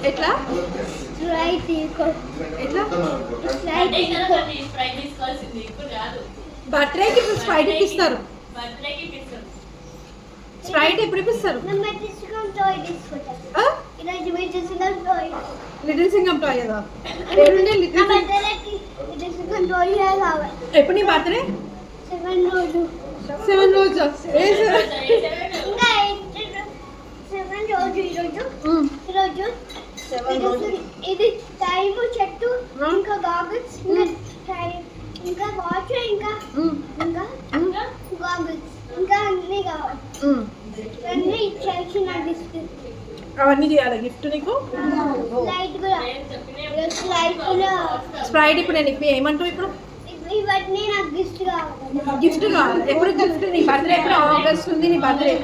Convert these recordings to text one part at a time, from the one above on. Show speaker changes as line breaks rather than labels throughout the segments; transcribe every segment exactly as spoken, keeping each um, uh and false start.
ఎట్లా
స్ప్రైట్ తీసుకో
ఎట్లా
స్ప్రైట్ తీసుకో
స్ప్రైట్ తీసుకోవాల్సింది ఇప్పుడు కాదు.
బర్త్డేకి స్ప్రైట్ ఇప్పిస్తారు.
బర్త్డేకి ఇప్పిస్తారు.
స్ప్రైట్ ఎప్పుడు ఇప్పిస్తారు?
నమ్మ తీసుకొని టాయ్ తీసుకుంటా
ఆ?
ఈరోజు మీరు తీసుకున్న టాయ్
లిటిల్ సింగం టాయ్ కదా ఏడుండే
నా
లిటిల్ సింగం
బర్త్డేకి తీసుకున్న టాయ్ కావాలి
ఎప్పుడు నీ బర్త్డే
సెవెన్ రోజు
సెవెన్ రోజు ఏ సెవెన్
ఇంకా సెవెన్ రోజు ఈరోజు ఈరోజు ఇది- ఇది టైం చెట్టు ఇంకా గాగుల్స్ ఇంకా టైం ఇంకా వాచ్ ఇంకా ఇంకా గాగుల్స్ ఇంకా అన్ని కావాలి అన్ని ఇచ్చేసి నా గిఫ్ట్
అవన్నీ చేయాలి గిఫ్ట్ నీకు
లైట్ కూడా లైట్ కూడా
స్ప్రైట్ ఇప్పుడు నేను ఇప్పి ఏమంటావు ఇప్పుడు
ఇవన్నీ నాకు గిఫ్ట్ కావాలి
గిఫ్ట్ కావాలి ఎప్పుడు గిఫ్ట్ నీ బర్త్డే ఎప్పుడు ఆగస్ట్ ఉంది నీ బర్త్డే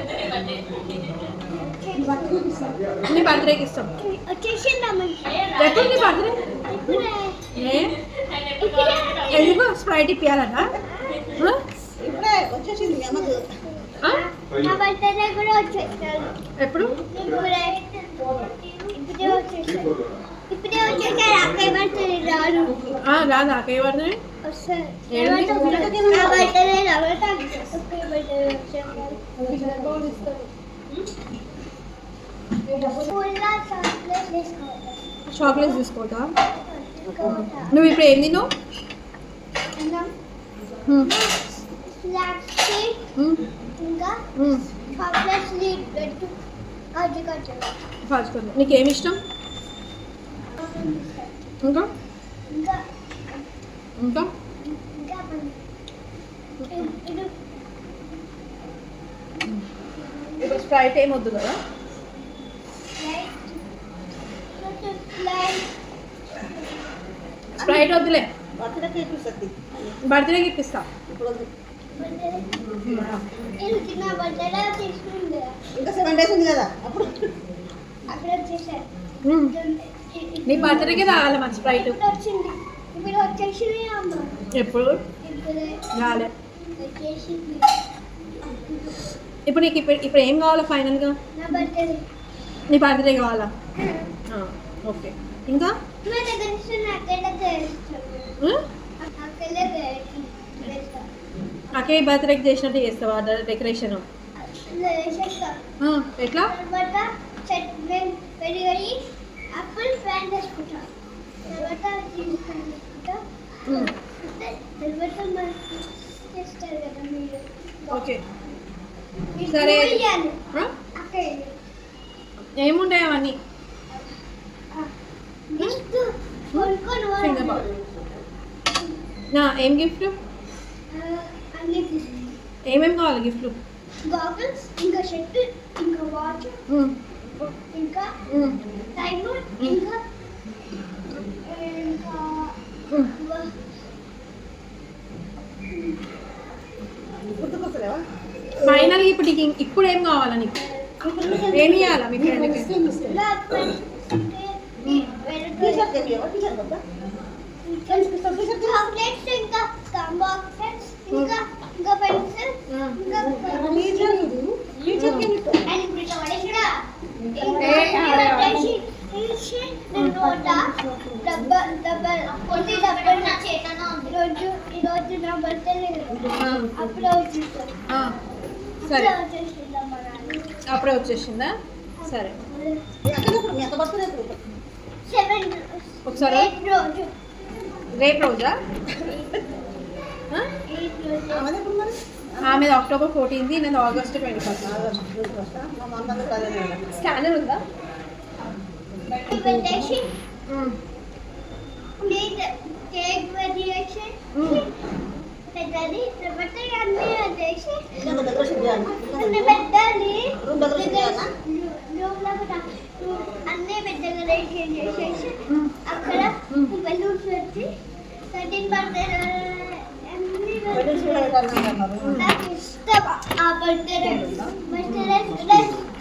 నీ బర్త్డేకి ఇస్తాం
వచ్చేసిందమ్మ
ఎప్పుడు నీ బర్త్డే
ఇప్పుడే
ఏ ఎందుకు స్ప్రైట్ ఇప్పియాలన్నా
ఇప్పుడే వచ్చేసింది అమ్మకు.
నా బర్త్డే కూడా వచ్చేసారు
ఎప్పుడు
ఇప్పుడే ఇప్పుడే వచ్చేసారు ఇప్పుడే వచ్చేసారు అక్కయ్య బర్త్డే రాను
ఆ, రాదు నాకే బర్త్డే
వస్తారు
ఏడుంది?
నా బర్త్డే రావట అక్కయ్య బర్త్డే వచ్చేసారు ఫుల్గా చాక్లెట్ తీసుకోవాలి
చాక్లెట్స్ తీసుకోవటా నువ్వు ఇప్పుడు ఏం తిన్నావు
స్నాక్స్ ఇంకా చాక్లెట్స్ పెట్టు కాజు కాజు
కాచుకోండి నీకు ఏమి ఇష్టం ఇంకా
ఇంకా
ఇంకా
ఇంకా ఇది
ఇప్పుడు స్ప్రైట్ ఏం వద్దు కదా
లైట్ లైట్
స్ప్రైట్ వద్దులే
బర్త్డేకి ఇప్పిస్తుంది.
బర్త్డేకి ఇప్పిస్తా
ఇప్పుడు వద్దు.
ఇది చిన్న బర్త్డే తీసుకుంది
ఇంకా సెవెన్ డేస్ ఉంది కదా అప్పుడు
అక్కడ వచ్చేసారు
మ్మ్. నీ బర్త్డేకి రావాలి మన స్ప్రైట్
ఇప్పుడు వచ్చింది ఇప్పుడు వచ్చేసింది అమ్మ
ఎప్పుడు
ఇప్పుడే
రాలే
వచ్చేసింది
ఇప్పుడు నీకు ఇప్పుడు ఇప్పుడు ఏం కావాలా ఫైనల్గా
నా బర్త్డే
నీ బర్త్డే కావాలా ఆ, ఓకే ఇంకా
మా దగ్గర నుంచి నాకెళ్ళ చేస్తాను
మ్మ్?
నాకెళ్ళ చేస్తాను
నాకే బర్త్డేకి చేసినట్టు చేస్తావా డెకరేషన్
చేస్తాను
ఎట్లా
తర్వాత చెట్ మేము పెరిగి అప్పుల్ ఫ్యాన్ చేసుకుంటాం తర్వాత తీసుకుంటా
మ్మ్.
తర్వాత మరి చేస్తారు కదా మీరు
ఓకే
మీరు
సరే.
ఇయ్యాలి.
ఆ?
అక్కడ
ఏముంటాయి అవన్నీ
గిఫ్ట్ కొనుక్కొని
Finger ball. నా ఏం గిఫ్ట్
అన్ని తీసుకుంటాం
ఏమేమి కావాలి గిఫ్ట్లు
గాగుల్స్ ఇంకా షర్ట్ ఇంకా వాచ్ ఇంకా టైమ్ ఇంకా ఇంకా
గుర్తుకొస్తలేవా?
ఫైనల్ ఇప్పుడు నీకు ఇం- ఇప్పుడు ఏం కావాలా నీకు ఏమి ఇవ్వాలా మీ ఫ్రెండ్కి
టీ-షర్ట్ తెప్పియవా? టీ-షర్ట్ వద్దా?
చాక్లెట్స్ ఇంకా బాక్సెస్ ఇంకా ఇంకా పెన్సిల్ ఇంకా
టీ-షర్ట్ ఇది. టీ-షర్ట్ ఏమి ఇస్తావు?
అండ్ ఇంకా కూడా
ఏ, అదే, అదే.
నోటా డబ్బా డబ్బా కొన్ని డబ్బా నా చేతన ఈరోజు ఈరోజు నా బర్త్డే అప్పుడే వచ్చేసాను
ఆ, సరే
అప్పుడే వచ్చేసిందా మా నాన్న
అప్పుడే వచ్చేసిందా సరే
మీ అక్క ఎప్పుడు? మీ అక్క బర్త్డే ఎప్పుడు?
సెవెన్
ఒకసారి
ఎయిట్ రోజు
రేపు రోజా ఆ?
ఎయిట్ రోజు
ఆమెది ఎప్పుడు మరి?
ఆమెది అక్టోబర్ ఫోర్టీన్త్ నేను August twenty first
August twenty first. మా మా అందరికీ అదే నెల.
స్కానర్ ఉందా
పెట్టేసి
మ్మ్.
ప్లీజ్ కేక్ పెట్టేసి పెట్టాలి తర్వాత అన్నీ వచ్చేసి
ఇంకా డెకరేషన్ చేయాలి.
అన్నీ పెట్టాలి
రూమ్ డెకరేషన్ చేయాలా?
రూమ్లో కూడా అన్నీ పెద్దగా డెకరేషన్ చేసేసి అక్కడ బెలూన్స్ పెట్టి థర్టీన్ బర్త్డే అన్నీ
వెడ్డింగ్స్ కూడా పెట్టాలని అన్నారు.
నాకు ఇష్టం ఆ బర్త్డే బర్త్డే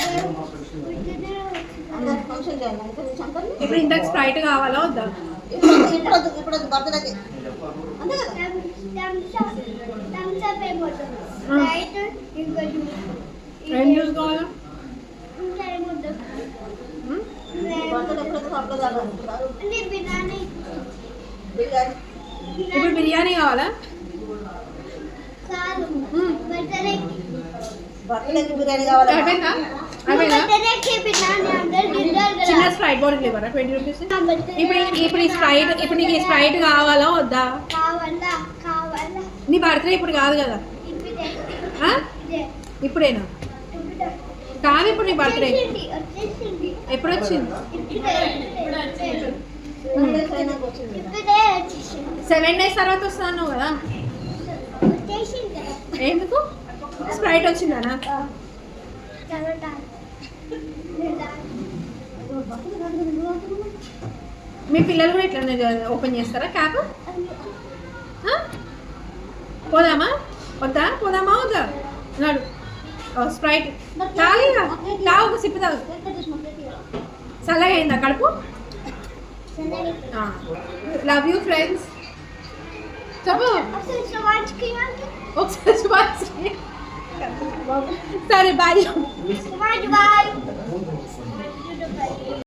అందరూ ఫంక్షన్ చేయాలి. ఇంకా నీ సంపర్ని?
ఇప్పుడు ఇంతకు స్ప్రైట్ కావాలా వద్దా
ఇప్పుడు వద్దు, ఇప్పుడు వద్దు, ఇప్పుడు వద్దు, బర్త్డేకి. అంతే కదా?
థమ్స్ అప్ అయిపోతుంది రైట్ ఇంకా
ఏం జ్యూస్ కావాలా
ఇంకా ఏమొద్దు
మ్మ్?
బర్త్డే ఎప్పుడు అప్పుడు దాకా
అన్ని బిర్యానీ
బిర్యానీ
ఇప్పుడు బిర్యానీ కావాలా
కాదు
మ్మ్.
బర్త్డే
బర్త్డేకి బిర్యానీ కావాలి
అయిపోయిందా అయిపోయిందా
బర్త్డేకి బిర్యానీ అంటే డిన్నర్
చిన్న
కదా
స్ప్రైట్ బాటిల్ ఇవ్వరా ట్వంటీ రూపీస్
నా birthday
ఇప్పుడు ఇప్పుడు ఈ స్ప్రైట్ ఇప్పుడు నీకు ఈ స్ప్రైట్ కావాలా వద్దా
కావాలా కావాలా
నీ బర్త్డే ఇప్పుడు కాదు కదా
ఇప్పుడే
ఆ?
ఇదే
ఇప్పుడేనా
ఇప్పుడే
కాదు ఇప్పుడు నీ బర్త్డే
వచ్చేసింది వచ్చేసింది
ఎప్పుడు వచ్చింది
ఇప్పుడే
ఇప్పుడు వచ్చింది.
చైనాకి వచ్చింది
ఇప్పుడే వచ్చేసింది
సెవెన్ డేస్ తర్వాత వస్తాను కదా
వచ్చేసింది
ఎందుకు స్ప్రైట్ వచ్చిందనా
తర్వాత
మీ పిల్లలు కూడా ఇట్లా ఓపెన్ చేస్తారా క్యాప్ ఆ? పోదామా వద్దా పోదామా వద్దా నాడు స్ప్రైట్ తాగిగా తాగు ఒక సిప్పు తాగు చల్లగా అయిందా కడుపు లవ్ యూ ఫ్రెండ్స్ చెప్పు
అసలు సవాజ్కి
ఒకసారి సుభాష్ సరే బాయ్
సవాజ్ బాయ్